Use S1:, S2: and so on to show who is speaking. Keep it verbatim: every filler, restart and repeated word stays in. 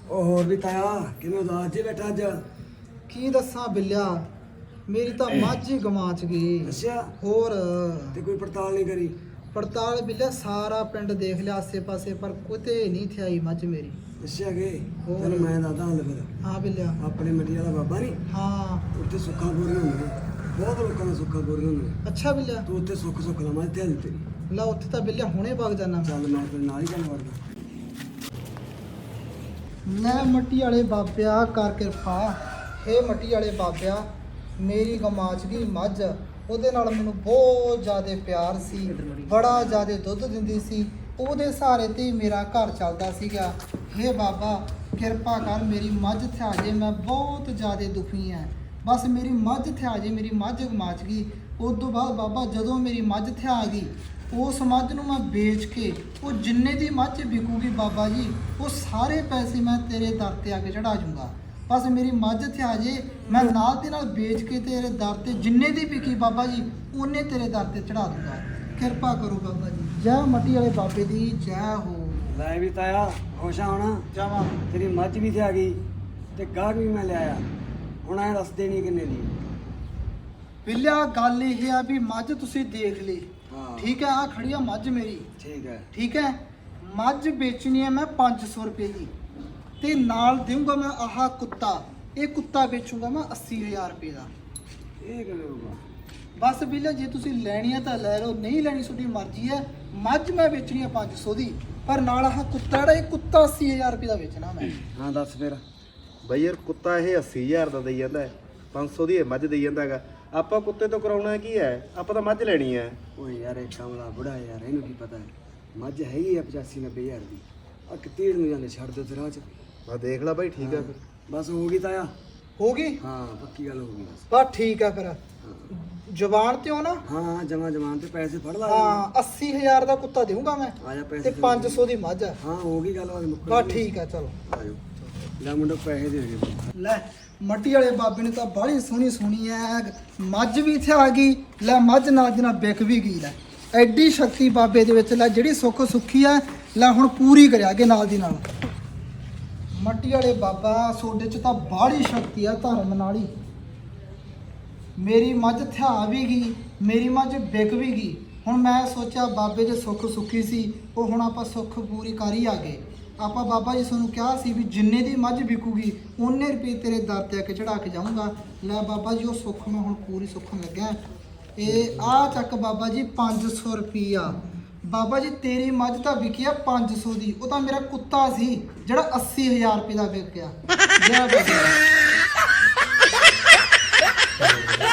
S1: ਉਹ ਹੋਰ ਵੀ ਤਾਇਆ ਕਿਵੇਂ ਉਦਾਸ ਜੇ ਬੈਠਾ ਅੱਜ?
S2: ਕੀ ਦੱਸਾਂ ਬਿੱਲਿਆ, ਮੇਰੀ ਤਾਂ ਮੱਝ ਹੀ ਗਵਾਂ ਚ ਗਈ।
S1: ਅੱਛਾ,
S2: ਹੋਰ
S1: ਤੇ ਕੋਈ ਪੜਤਾਲ ਨਹੀਂ ਕਰੀ?
S2: ਪੜਤਾਲ ਬਿੱਲਿਆ ਸਾਰਾ ਪਿੰਡ ਦੇਖ ਲਿਆ ਆਸੇ ਪਾਸੇ, ਪਰ ਕਿਤੇ ਨਹੀਂ ਥਿਆਈ ਮੱਝ ਮੇਰੀ।
S1: ਅੱਛਾ ਕਿ
S2: ਹੋਰ।
S1: ਤੈਨੂੰ ਮੈਂ ਦੱਸਦਾ ਹਾਂ ਫਿਰ।
S2: ਹਾਂ ਬਿੱਲਿਆ।
S1: ਆਪਣੇ ਮੰਡੀ ਵਾਲਾ ਬਾਬਾ ਨਹੀਂ,
S2: ਹਾਂ।
S1: ਉੱਥੇ ਸੁੱਖਾਂ ਪੂਰੀਆਂ ਹੁੰਦੀਆਂ, ਬਹੁਤ ਲੋਕਾਂ ਦਾ ਸੁੱਖਾਂ ਪੂਰੀਆਂ ਹੁੰਦੀਆਂ।
S2: ਅੱਛਾ ਬਿੱਲਿਆ,
S1: ਤੂੰ ਉੱਥੇ ਸੁੱਖ ਸੁੱਖ ਲਾ ਮੈਂ ਤੇ ਤੇਰੀ।
S2: ਲੈ ਉੱਥੇ ਤਾਂ ਬਿੱਲਿਆ ਹੁਣੇ ਵਗ ਜਾਣਾ।
S1: ਚੱਲ ਮੈਂ ਤੇਰੇ ਨਾਲ ਹੀ ਗੱਲ ਕਰਦਾ।
S2: ਲੈ ਮੱਟੀ ਵਾਲੇ ਬਾਬਿਆ ਕਰ ਕਿਰਪਾ। ਹੇ ਮੱਟੀ ਵਾਲੇ ਬਾਬਿਆ, ਮੇਰੀ ਗਮਾਚ ਗਈ ਮੱਝ। ਉਹਦੇ ਨਾਲ ਮੈਨੂੰ ਬਹੁਤ ਜ਼ਿਆਦਾ ਪਿਆਰ ਸੀ, ਬੜਾ ਜ਼ਿਆਦਾ ਦੁੱਧ ਦਿੰਦੀ ਸੀ। ਉਹਦੇ ਸਹਾਰੇ ਤੇ ਹੀ ਮੇਰਾ ਘਰ ਚੱਲਦਾ ਸੀਗਾ। ਹੇ ਬਾਬਾ ਕਿਰਪਾ ਕਰ, ਮੇਰੀ ਮੱਝ ਥਿਆ ਜੇ, ਮੈਂ ਬਹੁਤ ਜ਼ਿਆਦਾ ਦੁਖੀ ਹਾਂ। ਬਸ ਮੇਰੀ ਮੱਝ ਥਿਆ ਜੇ, ਮੇਰੀ ਮੱਝ ਗਮਾਚ ਗਈ। ਉਸ ਤੋਂ ਬਾਅਦ ਬਾਬਾ ਜਦੋਂ ਮੇਰੀ ਮੱਝ ਥਿਆ ਗਈ, ਉਸ ਮੱਝ ਨੂੰ ਮੈਂ ਵੇਚ ਕੇ ਉਹ ਜਿੰਨੇ ਦੀ ਮੱਝ ਵਿਕੂਗੀ ਬਾਬਾ ਜੀ, ਉਹ ਸਾਰੇ ਪੈਸੇ ਮੈਂ ਤੇਰੇ ਦਰ ਤੇ ਆ ਕੇ ਚੜਾ ਜੂੰਗਾ। ਬਸ ਮੇਰੀ ਮੱਝ ਥਿਆ ਜੇ, ਮੈਂ ਨਾਲ ਦੇ ਨਾਲ ਵੇਚ ਕੇ ਤੇਰੇ ਦਰ ਤੇ ਜਿੰਨੇ ਦੀ ਵਿਕੀ ਬਾਬਾ ਜੀ, ਉਹਨੇ ਤੇਰੇ ਦਰ ਤੇ ਚੜਾ ਦੂੰਗਾ। ਕਿਰਪਾ ਕਰੋ ਬਾਬਾ ਜੀ। ਜੈ ਮੱਟੀ ਵਾਲੇ ਬਾਬੇ ਦੀ ਜੈ ਹੋ।
S1: ਲੈ ਵੀ ਤਾਇਆ ਖੁਸ਼ ਆ ਹੋਣਾ?
S2: ਜਾਵਾਂ
S1: ਤੇਰੀ ਮੱਝ ਵੀ ਥਿਆ ਗਈ ਤੇ ਗਾਹਕ ਵੀ ਮੈਂ ਲਿਆਇਆ। ਹੁਣ ਐ ਦੱਸ ਦੇਣੀ ਕਿੰਨੇ ਦੀ?
S2: ਬਿੱਲਿਆ ਗੱਲ ਇਹ ਆ ਵੀ ਮੱਝ ਤੁਸੀਂ ਦੇਖ ਲਈ,
S1: ਹਾਂ
S2: ਠੀਕ ਹੈ। ਆ ਖੜੀ ਆ ਮੱਝ ਮੇਰੀ,
S1: ਠੀਕ ਹੈ।
S2: ਠੀਕ ਹੈ। ਮੱਝ ਵੇਚਣੀ ਹੈ ਮੈਂ ਪੰਜ ਸੌ ਰੁਪਏ ਦੀ, ਤੇ ਨਾਲ ਦੇਵਾਂਗਾ ਮੈਂ ਆਹ ਕੁੱਤਾ। ਇਹ ਕੁੱਤਾ ਵੇਚੂਗਾ ਮੈਂ ਅੱਸੀ ਹਜ਼ਾਰ ਰੁਪਏ ਦਾ।
S1: ਇਹ ਕਿਵੇਂ ਹੋਊਗਾ?
S2: ਬਸ ਬਿੱਲਿਆ ਜੇ ਤੁਸੀਂ ਲੈਣੀ ਹੈ ਤਾਂ ਲੈ ਲਓ, ਨਹੀਂ ਲੈਣੀ ਤੁਹਾਡੀ ਮਰਜ਼ੀ ਹੈ। ਮੱਝ ਮੈਂ ਵੇਚਣੀ ਹੈ ਪੰਜ ਸੌ ਦੀ, ਪਰ ਨਾਲ ਆਹ ਕੁੱਤਾ ਜਿਹੜਾ, ਇਹ ਕੁੱਤਾ ਅੱਸੀ ਹਜ਼ਾਰ ਰੁਪਏ ਦਾ ਵੇਚਣਾ ਮੈਂ।
S1: ਹਾਂ ਦੱਸ ਫਿਰ।
S3: ਬਈ ਯਾਰ ਕੁੱਤਾ ਇਹ ਅੱਸੀ ਹਜ਼ਾਰ ਦਾ ਦੇਈ ਜਾਂਦਾ ਹੈ, ਪੰਜ ਸੌ ਦੀ ਇਹ ਮੱਝ ਦੇਈ ਜਾਂਦਾ ਹੈਗਾ। ਆਪਾਂ ਕੁੱਤੇ ਤੋਂ ਕਰਾਉਣਾ ਕੀ ਹੈ? ਆਪਾਂ ਤਾਂ ਮੱਝ ਲੈਣੀ ਹੈ।
S1: ਓਏ ਯਾਰ ਇਹ ਕਮਲਾ ਬੁੜਾ ਯਾਰ, ਇਹਨੂੰ ਕੀ ਪਤਾ ਹੈ? ਮੱਝ ਹੈਗੀ ਆ ਪਚਾਸੀ ਨੱਬੇ ਹਜ਼ਾਰ ਦੀ। ਆ ਕਿਤੇ ਨੂੰ ਜਾਂਦੇ ਛੱਡ ਦਿਓ ਤੇ ਰਾਹ ਚ।
S3: ਬਸ ਦੇਖ ਲੈ ਬਾਈ, ਠੀਕ ਹੈ ਫਿਰ।
S1: ਬਸ ਹੋ ਗਈ ਤਾਇਆ।
S2: ਹੋ ਗਈ?
S1: ਹਾਂ ਪੱਕੀ ਗੱਲ ਹੋ ਗਈ ਬਸ।
S2: ਬਸ ਠੀਕ ਹੈ ਫਿਰ। ਜ਼ੁਬਾਨ ਤੇ ਹੋ ਨਾ?
S1: ਹਾਂ ਜਮਾ ਜਮਾਨ ਤੇ ਪੈਸੇ ਫੜ ਲਾ।
S2: ਹਾਂ ਅੱਸੀ ਹਜ਼ਾਰ ਦਾ ਕੁੱਤਾ ਦੇਵਾਂਗਾ ਮੈਂ,
S1: ਆ ਜਾ
S2: ਤੇ
S1: ਪੈਸੇ।
S2: ਪੰਜ ਸੌ ਦੀ ਮੱਝ ਹੈ।
S1: ਹਾਂ ਹੋ ਗਈ ਗੱਲ ਬਾਤ ਮੁੱਕ
S2: ਬਸ ਠੀਕ ਹੈ, ਚਲੋ।
S1: ਆਜੋ ਲੈ ਮੁੰਡਾ ਪੈਸੇ ਦੇ ਦੇ।
S2: ਲੈ ਮੱਟੀ ਵਾਲੇ ਬਾਬੇ ਨੇ ਤਾਂ ਬਾਹਲੀ ਸੋਹਣੀ ਸੋਹਣੀ ਐ ਮੱਝ ਵੀ ਇੱਥੇ ਆ ਗਈ। ਲੈ ਮੱਝ ਨਾਲ ਦੀ ਨਾਲ ਵਿਕ ਵੀ ਗਈ। ਲੈ ਐਡੀ ਸ਼ਕਤੀ ਬਾਬੇ ਦੇ ਵਿੱਚ, ਲੈ ਜਿਹੜੀ ਸੁੱਖ ਸੁੱਖੀ ਐ ਲੈ ਹੁਣ ਪੂਰੀ ਕਰਿਆਗੇ ਨਾਲ ਦੀ ਨਾਲ। ਮੱਟੀ ਵਾਲੇ ਬਾਬਾ ਸੋਡੇ ਚ ਤਾਂ ਬਾਹਲੀ ਸ਼ਕਤੀ ਆ ਧਰਮ ਨਾਲ ਹੀ। ਮੇਰੀ ਮੱਝ ਥਿਆ ਵੀ ਗਈ, ਮੇਰੀ ਮੱਝ ਵਿਕ ਵੀ ਗਈ। ਹੁਣ ਮੈਂ ਸੋਚਿਆ ਬਾਬੇ ਦੇ ਸੁੱਖ ਸੁੱਖੀ ਸੀ, ਉਹ ਹੁਣ ਆਪਾਂ ਸੁੱਖ ਪੂਰੀ ਕਰ ਹੀ ਆ ਗਏ। ਆਪਾਂ ਬਾਬਾ ਜੀ ਤੁਹਾਨੂੰ ਕਿਹਾ ਸੀ ਵੀ ਜਿੰਨੇ ਦੀ ਮੱਝ ਵਿਕੂਗੀ ਉਹਨੇ ਰੁਪਏ ਤੇਰੇ ਦਰ ਤੇ ਆ ਕੇ ਚੜਾ ਕੇ ਜਾਊਂਗਾ। ਲੈ ਬਾਬਾ ਜੀ ਉਹ ਸੁੱਖ ਮੈਂ ਹੁਣ ਪੂਰੀ ਸੁੱਖਣ ਲੱਗਿਆ। ਇਹ ਆ ਚੱਕ ਬਾਬਾ ਜੀ ਪੰਜ ਸੌ ਰੁਪਈਆ। ਬਾਬਾ ਜੀ ਤੇਰੀ ਮੱਝ ਤਾਂ ਵਿਕੀ ਆ ਪੰਜ ਸੌ ਦੀ, ਉਹ ਤਾਂ ਮੇਰਾ ਕੁੱਤਾ ਸੀ ਜਿਹੜਾ ਅੱਸੀ ਹਜ਼ਾਰ ਰੁਪਏ ਦਾ ਵਿਕ ਗਿਆ। ਜੈ ਬਾਬਾ।